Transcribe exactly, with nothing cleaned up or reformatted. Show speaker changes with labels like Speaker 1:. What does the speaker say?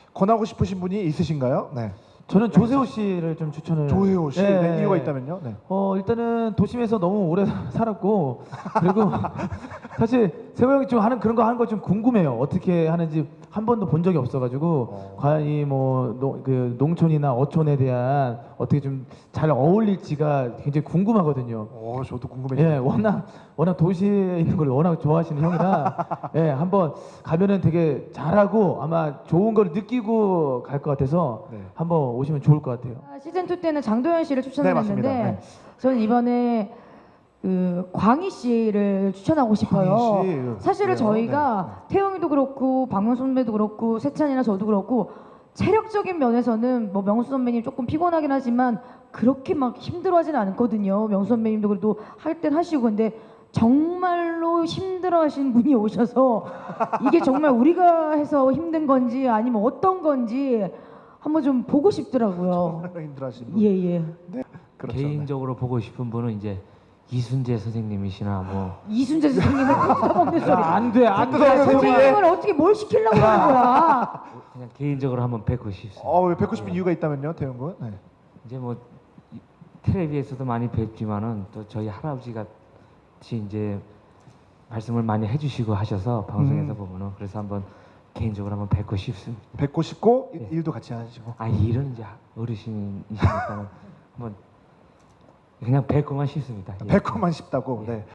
Speaker 1: 권하고 싶으신 분이 있으신가요? 네.
Speaker 2: 저는 조세호 씨를 좀 추천을.
Speaker 1: 조혜호 씨.
Speaker 2: 네.
Speaker 1: 네, 이유가 있다면요? 네.
Speaker 2: 어 일단은 도심에서 너무 오래 살았고 그리고 사실 세호 형이 좀 하는 그런 거 하는 거 좀 궁금해요. 어떻게 하는지 한 번도 본 적이 없어가지고
Speaker 1: 어.
Speaker 2: 과연 이뭐그 농촌이나 어촌에 대한 어떻게 좀 잘 어울릴지가 굉장히 궁금하거든요.
Speaker 1: 어, 저도 궁금해요.
Speaker 2: 예, 워낙 워낙 도시에 있는 걸 워낙 좋아하시는 형이라 예, 한번 가면은 되게 잘하고 아마 좋은 걸 느끼고 갈 것 같아서
Speaker 1: 네.
Speaker 2: 한번 오시면 좋을 것 같아요.
Speaker 3: 시즌 투 때는 장도연 씨를 추천을
Speaker 1: 네, 맞습니다.
Speaker 3: 했는데
Speaker 1: 네.
Speaker 3: 저는 이번에 그 광희 씨를 추천하고 싶어요.
Speaker 1: 광희 씨.
Speaker 3: 사실은
Speaker 1: 그래요?
Speaker 3: 저희가 태영이도 그렇고 박명수 선배도 그렇고 세찬이나 저도 그렇고 체력적인 면에서는 뭐 명수 선배님 조금 피곤하긴 하지만 그렇게 막 힘들어하진 않거든요. 명수 선배님도 그래도 할 땐 하시고 근데 정말로 힘들어하신 분이 오셔서 이게 정말 우리가 해서 힘든 건지 아니면 어떤 건지 한번 좀 보고 싶더라고요.
Speaker 1: 정말 힘들어하시는 분.
Speaker 3: 예예.
Speaker 1: 그렇죠.
Speaker 4: 개인적으로 보고 싶은 분은 이제 이순재 선생님이시나 뭐
Speaker 3: 이순재 선생님을 뜯어먹는 소리.
Speaker 2: 안 돼, 안 돼.
Speaker 1: 뜯어먹는 소리.
Speaker 3: 선생님을 어떻게 뭘 시키려고 하는 거야?
Speaker 4: 그냥 개인적으로 한번 뵙고 싶습니다.
Speaker 1: 어, 왜 뵙고 싶은 이유가 있다면요, 태용 군? 네.
Speaker 4: 이제 뭐 이- 텔레비에서도 많이 뵙지만은 또 저희 할아버지 같이 이제 말씀을 많이 해주시고 하셔서 방송에서
Speaker 1: 음.
Speaker 4: 보면은 그래서 한번 개인적으로 한번 뵙고 싶습니다.
Speaker 1: 뵙고 싶고 일-
Speaker 4: 네.
Speaker 1: 일도 같이 하시고.
Speaker 4: 아 일은 이제 어르신이시니까 한번 그냥 뵙고만 싶습니다. 예.
Speaker 1: 뵙고만 싶다고.
Speaker 4: 예.
Speaker 1: 네.